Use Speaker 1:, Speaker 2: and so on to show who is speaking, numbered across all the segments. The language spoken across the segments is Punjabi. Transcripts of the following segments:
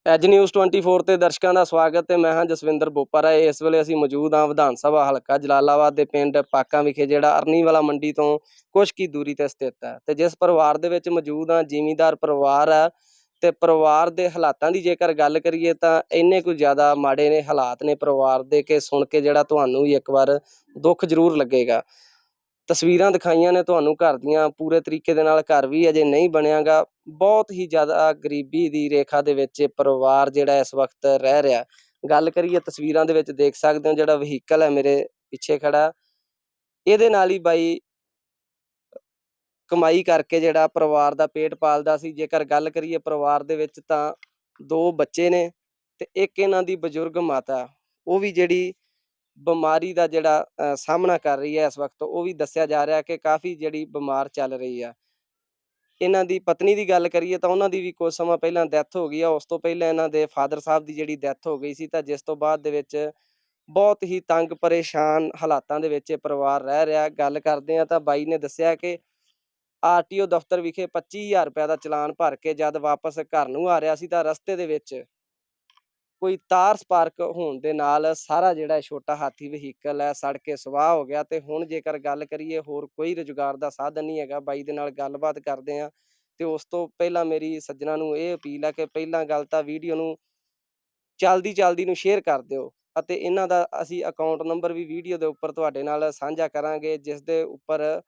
Speaker 1: ਐਜ ਨਿਊਜ਼ 24 ਤੇ ਦਰਸ਼ਕਾਂ ਦਾ ਸਵਾਗਤ ਤੇ ਮੈਂ ਹਾਂ ਜਸਵਿੰਦਰ ਬੋਪਰਾ। ਇਸ ਵੇਲੇ ਅਸੀਂ ਮੌਜੂਦ ਹਾਂ ਵਿਧਾਨ ਸਭਾ ਹਲਕਾ ਜਲਾਲਾਬਾਦ ਦੇ ਪਿੰਡ ਪਾਕਾਂ ਵਿਖੇ, ਜਿਹੜਾ ਅਰਨੀਵਾਲਾ ਮੰਡੀ ਤੋਂ ਕੁਛ ਕੀ ਦੂਰੀ ਤੇ ਸਥਿਤ ਹੈ। ਤੇ ਜਿਸ ਪਰਿਵਾਰ ਦੇ ਵਿੱਚ ਮੌਜੂਦ ਹਾਂ, ਜ਼ਿਮੀਂਦਾਰ ਪਰਿਵਾਰ ਹੈ ਤੇ ਪਰਿਵਾਰ ਦੇ ਹਾਲਾਤਾਂ ਦੀ ਜੇਕਰ ਗੱਲ ਕਰੀਏ ਤਾਂ ਇੰਨੇ ਕੁ ਜ਼ਿਆਦਾ ਮਾੜੇ ਨੇ ਹਾਲਾਤ ਨੇ ਪਰਿਵਾਰ ਦੇ ਕਿ ਸੁਣ ਕੇ ਜਿਹੜਾ ਤੁਹਾਨੂੰ ਵੀ ਇੱਕ ਵਾਰ ਦੁੱਖ ਜ਼ਰੂਰ ਲੱਗੇਗਾ। ਤਸਵੀਰਾਂ ਦਿਖਾਈਆਂ ਨੇ ਤੁਹਾਨੂੰ ਘਰ ਦੀਆਂ, ਪੂਰੇ ਤਰੀਕੇ ਦੇ ਨਾਲ ਘਰ ਵੀ ਅਜੇ ਨਹੀਂ ਬਣਿਆਗਾ। ਬਹੁਤ ਹੀ ਜ਼ਿਆਦਾ ਗਰੀਬੀ ਦੀ ਰੇਖਾ ਦੇ ਵਿੱਚ ਪਰਿਵਾਰ ਜਿਹੜਾ ਇਸ ਵਕਤ ਰਹਿ ਰਿਹਾ। ਗੱਲ ਕਰੀਏ ਤਸਵੀਰਾਂ ਦੇ ਵਿੱਚ ਦੇਖ ਸਕਦੇ ਹੋ, ਜਿਹੜਾ ਵਹੀਕਲ ਹੈ ਮੇਰੇ ਪਿੱਛੇ ਖੜਾ, ਇਹਦੇ ਨਾਲ ਹੀ ਬਾਈ ਕਮਾਈ ਕਰਕੇ ਜਿਹੜਾ ਪਰਿਵਾਰ ਦਾ ਪੇਟ ਪਾਲਦਾ ਸੀ। ਜੇਕਰ ਗੱਲ ਕਰੀਏ ਪਰਿਵਾਰ ਦੇ ਵਿੱਚ ਤਾਂ 2 ਬੱਚੇ ਨੇ ਤੇ ਇੱਕ ਇਹਨਾਂ ਦੀ ਬਜ਼ੁਰਗ ਮਾਤਾ, ਉਹ ਵੀ ਜਿਹੜੀ ਬਿਮਾਰੀ ਦਾ ਜਿਹੜਾ ਸਾਹਮਣਾ ਕਰ ਰਹੀ ਹੈ ਇਸ ਵਕਤ। ਉਹ ਵੀ ਦੱਸਿਆ ਜਾ ਰਿਹਾ ਕਿ ਕਾਫੀ ਜਿਹੜੀ ਬਿਮਾਰ ਚੱਲ ਰਹੀ ਆ। ਇਹਨਾਂ ਦੀ ਪਤਨੀ ਦੀ ਗੱਲ ਕਰੀਏ ਤਾਂ ਉਹਨਾਂ ਦੀ ਵੀ ਕੁਝ ਸਮਾਂ ਪਹਿਲਾਂ ਡੈਥ ਹੋ ਗਈ ਆ। ਉਸ ਤੋਂ ਪਹਿਲਾਂ ਇਹਨਾਂ ਦੇ ਫਾਦਰ ਸਾਹਿਬ ਦੀ ਜਿਹੜੀ ਡੈਥ ਹੋ ਗਈ ਸੀ, ਤਾਂ ਜਿਸ ਤੋਂ ਬਾਅਦ ਦੇ ਵਿੱਚ ਬਹੁਤ ਹੀ ਤੰਗ ਪਰੇਸ਼ਾਨ ਹਾਲਾਤਾਂ ਦੇ ਵਿੱਚ ਇਹ ਪਰਿਵਾਰ ਰਹਿ ਰਿਹਾ। ਗੱਲ ਕਰਦੇ ਆ ਤਾਂ ਬਾਈ ਨੇ ਦੱਸਿਆ ਕਿ ਆਰਟੀਓ ਦਫ਼ਤਰ ਵਿਖੇ 25,000 ਰੁਪਏ ਦਾ ਚਲਾਨ ਭਰ ਕੇ ਜਦ ਵਾਪਸ ਘਰ ਨੂੰ ਆ ਰਿਹਾ ਸੀ ਤਾਂ ਰਸਤੇ ਦੇ ਵਿੱਚ ਕੋਈ ਤਾਰ ਸਪਾਰਕ ਹੋਣ ਦੇ ਨਾਲ ਸਾਰਾ ਜਿਹੜਾ ਛੋਟਾ ਹਾਥੀ ਵਹੀਕਲ ਹੈ ਸੜ ਕੇ ਸਵਾਹ ਹੋ ਗਿਆ। ਤੇ ਹੁਣ ਜੇਕਰ ਗੱਲ ਕਰੀਏ, ਹੋਰ ਕੋਈ ਰੁਜ਼ਗਾਰ ਦਾ ਸਾਧਨ ਨਹੀਂ ਹੈਗਾ। ਬਾਈ ਦੇ ਨਾਲ ਗੱਲਬਾਤ ਕਰਦੇ ਹਾਂ ਤੇ ਉਸ ਤੋਂ ਪਹਿਲਾਂ ਮੇਰੀ ਸੱਜਣਾ ਨੂੰ ਇਹ ਅਪੀਲ ਹੈ ਕਿ ਪਹਿਲਾਂ ਗੱਲ ਤਾਂ ਵੀਡੀਓ ਨੂੰ ਚਲਦੀ ਨੂੰ ਸ਼ੇਅਰ ਕਰ ਦਿਓ ਅਤੇ ਇਹਨਾਂ ਦਾ ਅਸੀਂ ਅਕਾਊਂਟ ਨੰਬਰ ਵੀ ਵੀਡੀਓ ਦੇ ਉੱਪਰ ਤੁਹਾਡੇ ਨਾਲ ਸਾਂਝਾ ਕਰਾਂਗੇ, ਜਿਸ ਦੇ ਉੱਪਰ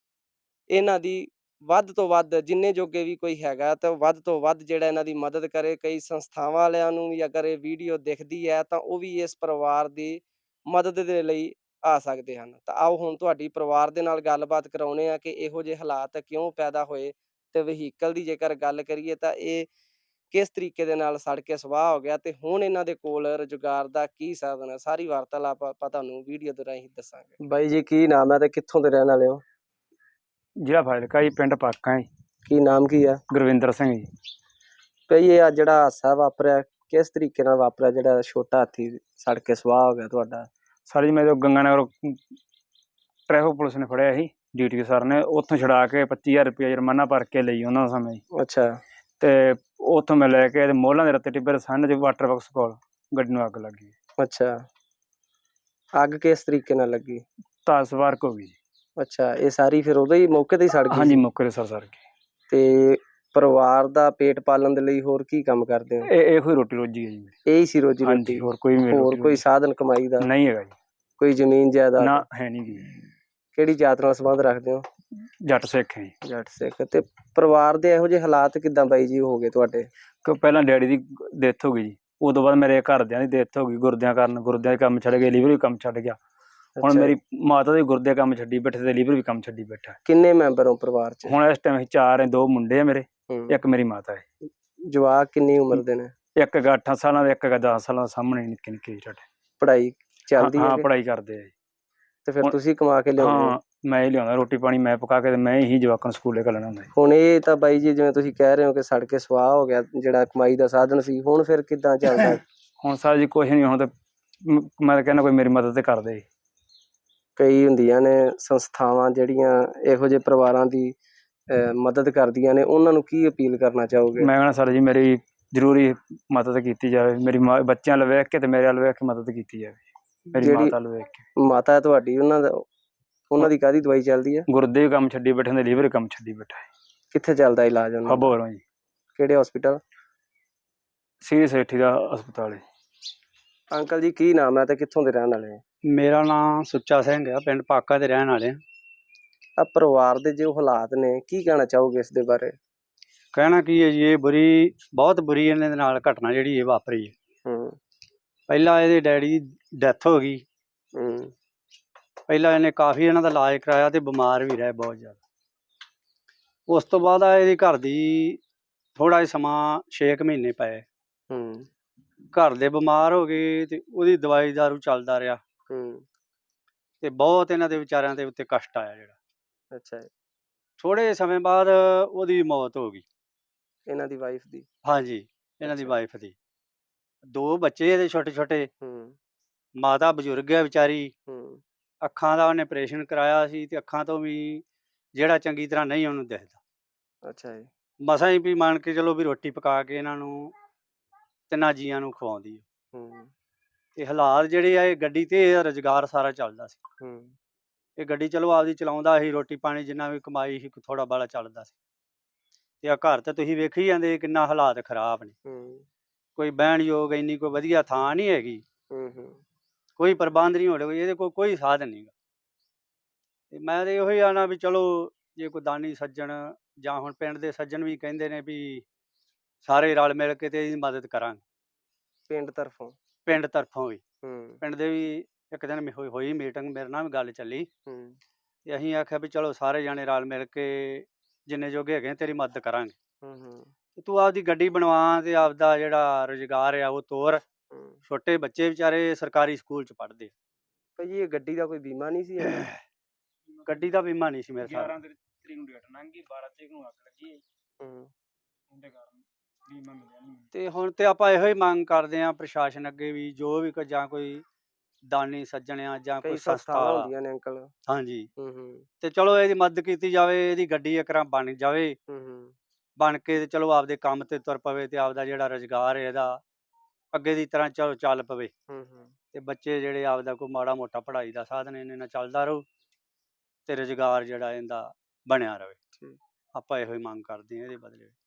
Speaker 1: ਇਹਨਾਂ ਦੀ ਵੱਧ ਤੋਂ ਵੱਧ ਜਿੰਨੇ ਜੋਗੇ ਵੀ ਕੋਈ ਹੈਗਾ ਤਾਂ ਵੱਧ ਤੋਂ ਵੱਧ ਜਿਹੜਾ ਇਹਨਾਂ ਦੀ ਮਦਦ ਕਰੇ। ਕਈ ਸੰਸਥਾਵਾਂ ਵਾਲਿਆਂ ਨੂੰ ਵੀ ਅਗਰ ਇਹ ਵੀਡੀਓ ਦਿਖਦੀ ਹੈ ਤਾਂ ਉਹ ਵੀ ਇਸ ਪਰਿਵਾਰ ਦੀ ਮਦਦ ਦੇ ਲਈ ਆ ਸਕਦੇ ਹਨ। ਤਾਂ ਆਓ ਹੁਣ ਤੁਹਾਡੀ ਪਰਿਵਾਰ ਦੇ ਨਾਲ ਗੱਲਬਾਤ ਕਰਾਉਂਦੇ ਆ ਕਿ ਇਹੋ ਜਿਹੇ ਹਾਲਾਤ ਕਿਉਂ ਪੈਦਾ ਹੋਏ ਤੇ ਵਹੀਕਲ ਦੀ ਜੇਕਰ ਗੱਲ ਕਰੀਏ ਤਾਂ ਇਹ ਕਿਸ ਤਰੀਕੇ ਦੇ ਨਾਲ ਸੜ ਕੇ ਸਵਾਹ ਹੋ ਗਿਆ ਤੇ ਹੁਣ ਇਹਨਾਂ ਦੇ ਕੋਲ ਰੁਜ਼ਗਾਰ ਦਾ ਕੀ ਸਾਧਨ ਹੈ। ਸਾਰੀ ਵਾਰਤਾਲਾਪ ਆਪਾਂ ਤੁਹਾਨੂੰ ਵੀਡੀਓ ਦੇ ਰਾਹੀਂ ਦੱਸਾਂਗੇ। ਬਾਈ ਜੀ, ਕੀ ਨਾਮ ਹੈ ਤੇ ਕਿੱਥੋਂ ਦੇ ਰਹਿਣ ਵਾਲੇ ਹੋ?
Speaker 2: ਜ਼ਿਲ੍ਹਾ ਫਾਜ਼ਿਲਕਾ ਜੀ, ਪਿੰਡ ਪਾਕਾਂ ਜੀ।
Speaker 1: ਕੀ ਨਾਮ ਕੀ ਆ?
Speaker 2: ਗੁਰਵਿੰਦਰ ਸਿੰਘ ਜੀ।
Speaker 1: ਭਈ ਇਹ ਜਿਹੜਾ ਹਾਦਸਾ ਵਾਪਰਿਆ ਕਿਸ ਤਰੀਕੇ ਨਾਲ ਵਾਪਰਿਆ, ਜਿਹੜਾ ਛੋਟਾ ਹਾਥੀ ਸੜ ਕੇ ਸਵਾਹ ਹੋ ਗਿਆ ਤੁਹਾਡਾ?
Speaker 2: ਸਰ ਜੀ, ਮੇਰੇ ਗੰਗਾਨਗਰ ਟ੍ਰੈਫਿਕ ਪੁਲਿਸ ਨੇ ਫੜਿਆ ਸੀ, ਡਿਊਟੀ ਸਰ ਨੇ। ਉੱਥੋਂ ਛੁਡਾ ਕੇ 25,000 ਰੁਪਇਆ ਜੁਰਮਾਨਾ ਭਰ ਕੇ ਲਈ ਉਹਨਾਂ ਸਮੇਂ ਜੀ।
Speaker 1: ਅੱਛਾ।
Speaker 2: ਤੇ ਉੱਥੋਂ ਮੈਂ ਲੈ ਕੇ ਮੋਹਲਾਂ ਦੇ ਰੱਤੇ ਟਿੱਬੇ ਸੰਨ 'ਚ ਵਾਟਰ ਬਾਕਸ ਕੋਲ ਗੱਡੀ ਨੂੰ ਅੱਗ ਲੱਗ ਗਈ।
Speaker 1: ਅੱਛਾ, ਅੱਗ ਕਿਸ ਤਰੀਕੇ ਨਾਲ ਲੱਗੀ?
Speaker 2: ਤਾਸ ਸਪਾਰਕ ਹੋ ਗਈ ਜੀ।
Speaker 1: ਅੱਛਾ, ਇਹ ਸਾਰੀ ਫਿਰ ਉਦੋਂ ਹੀ ਮੌਕੇ ਤੇ ਹੀ ਸੜ ਗਈ?
Speaker 2: ਹਾਂਜੀ, ਮੌਕੇ ਤੇ ਸੜ ਗਈ।
Speaker 1: ਤੇ ਪਰਿਵਾਰ ਦਾ ਪੇਟ ਪਾਲਣ ਦੇ ਲਈ ਹੋਰ ਕੀ ਕੰਮ ਕਰਦੇ ਹੋ?
Speaker 2: ਇਹੋ ਹੀ ਰੋਟੀ ਰੋਜੀ ਹੈ ਜੀ।
Speaker 1: ਇਹੀ ਸੀ ਰੋਜੀ
Speaker 2: ਹਾਂਜੀ,
Speaker 1: ਰੋਟੀ?
Speaker 2: ਹੋਰ
Speaker 1: ਕੋਈ ਸਾਧਨ ਕਮਾਈ ਦਾ
Speaker 2: ਨਹੀਂ ਹੈਗਾ ਜੀ।
Speaker 1: ਕੋਈ ਜ਼ਮੀਨ ਜਾਇਦਾਦ
Speaker 2: ਨਾ ਹੈ ਨਹੀਂ ਜੀ।
Speaker 1: ਕਿਹੜੀ ਜਾਤ ਨਾਲ ਸੰਬੰਧ ਰੱਖਦੇ ਹੋ?
Speaker 2: ਜੱਟ ਸਿੱਖ ਹੈ ਜੀ।
Speaker 1: ਜੱਟ ਸਿੱਖ। ਤੇ ਪਰਿਵਾਰ ਦੇ ਇਹੋ ਜਿਹੇ ਹਾਲਾਤ ਕਿੱਦਾਂ ਬਾਈ ਜੀ ਹੋ ਗਏ ਤੁਹਾਡੇ?
Speaker 2: ਕਿ ਪਹਿਲਾਂ ਡੈਡੀ ਦੀ ਡੈਥ ਹੋ ਗਈ ਜੀ, ਉਦੋਂ ਬਾਅਦ ਮੇਰੇ ਘਰਦਿਆਂ ਦੀ ਡੈਥ ਹੋ ਗਈ ਗੁਰਦਿਆਂ ਕਾਰਨ। ਗੁਰਦਿਆਂ ਦੇ ਕੰਮ ਛੱਡ ਗਏ, ਲੀਵਰ ਵੀ ਕੰਮ ਛੱਡ ਗਿਆ। ਹੁਣ ਮੇਰੀ ਮਾਤਾ ਦੇ ਗੁਰਦੇ ਕੰਮ ਛੱਡੀ ਬੈਠੇ ਤੇ ਲੀਵਰ ਵੀ ਕੰਮ ਛੱਡੀ ਬੈਠਾ।
Speaker 1: ਕਿੰਨੇ ਮੈਂਬਰ ਹੋ ਪਰਿਵਾਰ ਚ?
Speaker 2: ਹੁਣ ਇਸ ਟਾਈਮ ਅਸੀਂ 4 ਹੈ, 2 ਮੁੰਡੇ ਆ ਮੇਰੇ, ਇੱਕ ਮੇਰੀ ਮਾਤਾ ਹੈ।
Speaker 1: ਜਵਾਕ ਕਿੰਨੀ ਉਮਰ ਦੇ ਨੇ?
Speaker 2: ਇੱਕ ਹੈਗਾ 8 ਸਾਲਾਂ ਦਾ, ਇੱਕ ਹੈਗਾ 10 ਸਾਲਾਂ ਦਾ। ਸਾਹਮਣੇ ਨਿੱਕੇ ਨਿੱਕੇ ਸਾਡੇ।
Speaker 1: ਪੜ੍ਹਾਈ ਚੱਲਦੀ ਹੈ?
Speaker 2: ਹਾਂ, ਪੜ੍ਹਾਈ ਕਰਦੇ ਆ ਜੀ।
Speaker 1: ਤੇ ਫਿਰ ਤੁਸੀਂ ਕਮਾ ਕੇ ਲਿਆਉਂਦੇ?
Speaker 2: ਹਾਂ, ਮੈਂ ਹੀ ਲਿਆਉਂਦਾ ਰੋਟੀ ਪਾਣੀ, ਮੈਂ ਪਕਾ ਕੇ ਤੇ ਮੈਂ ਹੀ ਜਵਾਕਾਂ ਨੂੰ ਸਕੂਲੇ ਘੱਲਣਾ ਹੁੰਦਾ।
Speaker 1: ਹੁਣ ਇਹ ਤਾਂ ਬਾਈ ਜੀ ਜਿਵੇਂ ਤੁਸੀਂ ਕਹਿ ਰਹੇ ਹੋ ਕਿ ਸੜ ਕੇ ਸਵਾਹ ਹੋ ਗਿਆ ਜਿਹੜਾ ਕਮਾਈ ਦਾ ਸਾਧਨ ਸੀ, ਹੁਣ ਫਿਰ ਕਿੱਦਾਂ ਚੱਲਦਾ?
Speaker 2: ਹੁਣ ਸਰ ਜੀ ਕੁਛ ਨਹੀਂ, ਹੁਣ ਤਾਂ ਮੈਂ ਤਾਂ ਕਹਿੰਦਾ ਕੋਈ ਮੇਰੀ ਮਦਦ ਤੇ ਕਰਦੇ।
Speaker 1: ਕਈ ਹੁੰਦੀਆਂ ਨੇ ਸੰਸਥਾਵਾਂ ਜਿਹੜੀਆਂ ਇਹੋ ਜਿਹੇ ਪਰਿਵਾਰਾਂ ਦੀ ਮਦਦ ਕਰਦੀਆਂ ਨੇ, ਉਹਨਾਂ ਨੂੰ ਕੀ ਅਪੀਲ ਕਰਨਾ ਚਾਹੋਗੇ?
Speaker 2: ਮੈਂ ਕਹਿੰਦਾ ਸਰ ਜੀ ਮੇਰੀ ਜ਼ਰੂਰੀ ਮਦਦ ਕੀਤੀ ਜਾਵੇ। ਮੇਰੀ ਬੱਚਿਆਂ ਵੱਲ ਵੇਖ ਕੇ ਤੇ ਮੇਰੇ ਵੱਲ ਵੇਖ ਕੇ ਮਦਦ ਕੀਤੀ ਜਾਵੇ। ਮੇਰੀ ਮਾਤਾ ਵੱਲ ਵੇਖ ਕੇ।
Speaker 1: ਮਾਤਾ ਹੈ ਤੁਹਾਡੀ, ਉਹਨਾਂ ਦੀ ਕਾਹਦੀ ਦਵਾਈ ਚੱਲਦੀ ਹੈ?
Speaker 2: ਗੁਰਦੇ ਵੀ ਕੰਮ ਛੱਡੀ ਬੈਠੇ, ਲੀਵਰ ਵੀ ਕੰਮ ਛੱਡੀ ਬੈਠਾ ਹੈ।
Speaker 1: ਕਿੱਥੇ ਚੱਲਦਾ ਇਲਾਜ ਉਹਨਾਂ ਦਾ?
Speaker 2: ਅਬੋਹਰੋਂ ਜੀ।
Speaker 1: ਕਿਹੜੇ ਹਸਪੀਟਲ?
Speaker 2: ਸੀਰੀ ਸੇਠੀ ਦਾ ਹਸਪਤਾਲ ਹੈ।
Speaker 1: ਅੰਕਲ ਜੀ, ਕੀ ਨਾਮ ਹੈ ਤੇ ਕਿੱਥੋਂ ਦੇ ਰਹਿਣ ਵਾਲੇ?
Speaker 3: ਮੇਰਾ ਨਾਮ ਸੁੱਚਾ ਸਿੰਘ ਆ, ਪਿੰਡ ਪਾਕਾ ਦੇ ਰਹਿਣ ਵਾਲੇ।
Speaker 1: ਆ ਪਰਿਵਾਰ ਦੇ ਜੋ ਹਾਲਾਤ ਨੇ, ਕੀ ਕਹਿਣਾ ਚਾਹੋਗੇ ਇਸ ਦੇ ਬਾਰੇ?
Speaker 3: ਕਹਿਣਾ ਕੀ ਹੈ ਜੀ, ਇਹ ਬਹੁਤ ਬੁਰੀ ਇਹਨਾਂ ਦੇ ਨਾਲ ਘਟਨਾ ਜਿਹੜੀ ਇਹ ਵਾਪਰੀ ਹੈ। ਪਹਿਲਾਂ ਇਹਦੇ ਡੈਡੀ ਦੀ ਡੈਥ ਹੋ ਗਈ। ਪਹਿਲਾਂ ਇਹਨੇ ਕਾਫੀ ਇਹਨਾਂ ਦਾ ਇਲਾਜ ਕਰਾਇਆ ਤੇ ਬਿਮਾਰ ਵੀ ਰਹੇ ਬਹੁਤ ਜ਼ਿਆਦਾ। ਉਸ ਤੋਂ ਬਾਅਦ ਇਹਦੀ ਘਰ ਦੀ ਥੋੜ੍ਹਾ ਜਿਹਾ ਸਮਾਂ 6 ਮਹੀਨੇ ਪਏ। ਘਰ ਦੇ ਬਿਮਾਰ ਹੋ ਗਏ ਤੇ ਉਹਦੀ ਦਵਾਈ ਦਾਰੂ ਚੱਲਦਾ ਰਿਹਾ ਤੇ ਬਹੁਤ ਇਹਨਾਂ ਦੇ ਵਿਚਾਰਿਆਂ ਦੇ ਉੱਤੇ ਕਸ਼ਟ ਆਇਆ ਜਿਹੜਾ।
Speaker 1: ਅੱਛਾ।
Speaker 3: ਥੋੜ੍ਹੇ ਸਮੇਂ ਬਾਅਦ ਉਹਦੀ ਮੌਤ ਹੋ ਗਈ।
Speaker 1: ਇਹਨਾਂ ਦੀ ਵਾਈਫ ਦੀ? ਹਾਂਜੀ,
Speaker 3: ਇਹਨਾਂ ਦੀ ਵਾਈਫ ਦੀ। 2 ਬੱਚੇ ਇਹਦੇ ਛੋਟੇ ਛੋਟੇ। ਮਾਤਾ ਬਜ਼ੁਰਗ ਹੈ ਵਿਚਾਰੀ। ਅੱਖਾਂ ਦਾ ਉਹਨੇ ਆਪਰੇਸ਼ਨ ਕਰਾਇਆ ਸੀ ਤੇ ਅੱਖਾਂ ਤੋਂ ਵੀ ਜਿਹੜਾ ਚੰਗੀ ਤਰ੍ਹਾਂ ਨਹੀਂ ਉਹਨੂੰ ਦਿਖਦਾ।
Speaker 1: ਅੱਛਾ ਜੀ।
Speaker 3: ਮਸਾਂ ਹੀ ਵੀ ਮੰਨ ਕੇ ਚਲੋ ਵੀ ਰੋਟੀ ਪਕਾ ਕੇ ਇਹਨਾਂ ਨੂੰ ਤਿੰਨਾਂ ਜੀਆਂ ਨੂੰ ਖਵਾਉਂਦੀ ਆ।
Speaker 1: ਹੂੰ
Speaker 3: ਤੇ ਹਾਲਾਤ ਜਿਹੜੇ ਆ, ਇਹ ਗੱਡੀ ਤੇ ਇਹ ਰੁਜ਼ਗਾਰ ਸਾਰਾ ਚੱਲਦਾ ਸੀ।
Speaker 1: ਹੂੰ
Speaker 3: ਇਹ ਗੱਡੀ ਚਲੋ ਆਪਦੀ ਚਲਾਉਂਦਾ ਸੀ, ਰੋਟੀ ਪਾਣੀ ਜਿੰਨਾ ਵੀ ਕਮਾਈ ਸੀ ਥੋੜਾ ਬਾਲਾ ਚੱਲਦਾ ਸੀ। ਤੇ ਆ ਘਰ ਤਾਂ ਤੁਸੀਂ ਵੇਖੀ ਜਾਂਦੇ ਕਿੰਨਾ ਹਾਲਾਤ ਖਰਾਬ ਨੇ।
Speaker 1: ਹੂੰ
Speaker 3: ਕੋਈ ਬਹਿਣ ਯੋਗ ਇੰਨੀ ਕੋਈ ਵਧੀਆ ਥਾਂ ਨਹੀਂ ਹੈਗੀ,
Speaker 1: ਹੂੰ
Speaker 3: ਕੋਈ ਪ੍ਰਬੰਧ ਨਹੀਂ ਹੋ ਰਿਹਾ, ਇਹਦੇ ਕੋਲ ਕੋਈ ਸਾਧਨ ਨਹੀਂਗਾ। ਤੇ ਮੈਂ ਤੇ ਇਹੋ ਹੀ ਆਣਾ ਵੀ ਚਲੋ ਜੇ ਕੋਈ ਦਾਨੀ ਸੱਜਣ ਜਾਂ ਹੁਣ ਪਿੰਡ ਦੇ ਸੱਜਣ ਵੀ ਕਹਿੰਦੇ ਨੇ ਵੀ ਸਾਰੇ ਰਲ ਮਿਲ ਕੇ ਤੇ ਇਹਦੀ ਮਦਦ ਕਰਾਂਗੇ
Speaker 1: ਪਿੰਡ ਤਰਫੋਂ।
Speaker 3: ਪਿੰਡ ਤਰਫੋਂ ਵੀ।
Speaker 1: ਹੂੰ
Speaker 3: ਪਿੰਡ ਦੇ ਵੀ ਇੱਕ ਦਿਨ ਹੋਈ ਮੀਟਿੰਗ, ਮੇਰੇ ਨਾਲ ਵੀ ਗੱਲ ਚੱਲੀ
Speaker 1: ਹੂੰ
Speaker 3: ਤੇ ਅਸੀਂ ਆਖਿਆ ਵੀ ਚਲੋ ਸਾਰੇ ਜਾਣੇ ਰਲ ਮਿਲ ਕੇ ਜਿੰਨੇ ਜੋਗੇ ਹੈਗੇ ਤੇਰੀ ਮਦਦ ਕਰਾਂਗੇ।
Speaker 1: ਹੂੰ
Speaker 3: ਤੇ ਤੂੰ ਆਪਦੀ ਗੱਡੀ ਬਣਵਾ ਤੇ ਆਪਦਾ ਜਿਹੜਾ ਰੁਜ਼ਗਾਰ ਆ ਉਹ ਤੋਰ।
Speaker 1: ਹੂੰ
Speaker 3: ਛੋਟੇ ਬੱਚੇ ਵਿਚਾਰੇ ਸਰਕਾਰੀ ਸਕੂਲ ਚ ਪੜ੍ਹਦੇ ਆ।
Speaker 1: ਭਾਜੀ ਇਹ ਗੱਡੀ ਦਾ ਕੋਈ ਬੀਮਾ ਨਹੀਂ ਸੀ ਹੈਗਾ?
Speaker 3: ਗੱਡੀ ਦਾ ਬੀਮਾ ਨਹੀਂ ਸੀ ਮੇਰੇ ਸਾਹ।
Speaker 2: 11 ਤਰੀਕ ਨੂੰ ਡੇਟ ਲੰਘ ਗਈ, 12 ਤਰੀਕ ਨੂੰ ਅੱਗ ਲੱਗੀ ਹੈ,
Speaker 1: ਹੂੰ
Speaker 2: ਉਹਦੇ ਕਾਰਨ ਬੀਮਾ ਮਿਲਿਆ ਨਹੀਂ।
Speaker 3: ਤੇ ਹੁਣ ਤੇ ਆਪਾਂ ਇਹੋ ਹੀ ਮੰਗ ਕਰਦੇ ਆ ਪ੍ਰਸ਼ਾਸਨ ਅੱਗੇ ਵੀ, ਜੋ ਵੀ ਜਾਂ ਕੋਈ ਦਾਨੀ ਸੱਜਣ ਆ ਜਾਂ ਕੋਈ
Speaker 1: ਕਈ
Speaker 3: ਸੰਸਥਾ
Speaker 1: ਸੰਸਥਾਵਾਂ
Speaker 3: ਵਾਲਾ।
Speaker 1: ਹੁੰਦੀਆਂ ਨੇ ਅੰਕਲ।
Speaker 3: ਹਾਂਜੀ,
Speaker 1: ਹੂੰ ਹੂੰ
Speaker 3: ਤੇ ਚਲੋ ਇਹਦੀ ਮਦਦ ਕੀਤੀ ਜਾਵੇ, ਇਹਦੀ ਗੱਡੀ ਇੱਕ ਵਾਰ ਬਣ ਜਾਵੇ,
Speaker 1: ਹੂੰ ਹੂੰ
Speaker 3: ਬਣ ਕੇ ਤੇ ਚਲੋ ਆਪਦੇ ਕੰਮ ਤੇ ਤੁਰ ਪਵੇ ਤੇ ਆਪਦਾ ਜਿਹੜਾ ਰੁਜ਼ਗਾਰ ਹੈ ਇਹਦਾ ਅੱਗੇ ਦੀ ਤਰ੍ਹਾਂ ਚਲੋ ਚੱਲ ਪਵੇ।
Speaker 1: ਹੂੰ ਹੂੰ
Speaker 3: ਤੇ ਬੱਚੇ ਜਿਹੜੇ ਆਪਦਾ ਕੋਈ ਮਾੜਾ ਮੋਟਾ ਪੜ੍ਹਾਈ ਦਾ ਸਾਧਨ ਇਹਨੇ ਨਾਲ ਚੱਲਦਾ ਰਹੂ ਤੇ ਰੁਜ਼ਗਾਰ ਜਿਹੜਾ ਇਹਦਾ ਬਣਿਆ ਰਵੇ।
Speaker 1: ਠੀਕ।
Speaker 3: ਆਪਾਂ ਇਹੋ ਹੀ ਮੰਗ ਕਰਦੇ ਹਾਂ ਇਹਦੇ ਬਦਲੇ।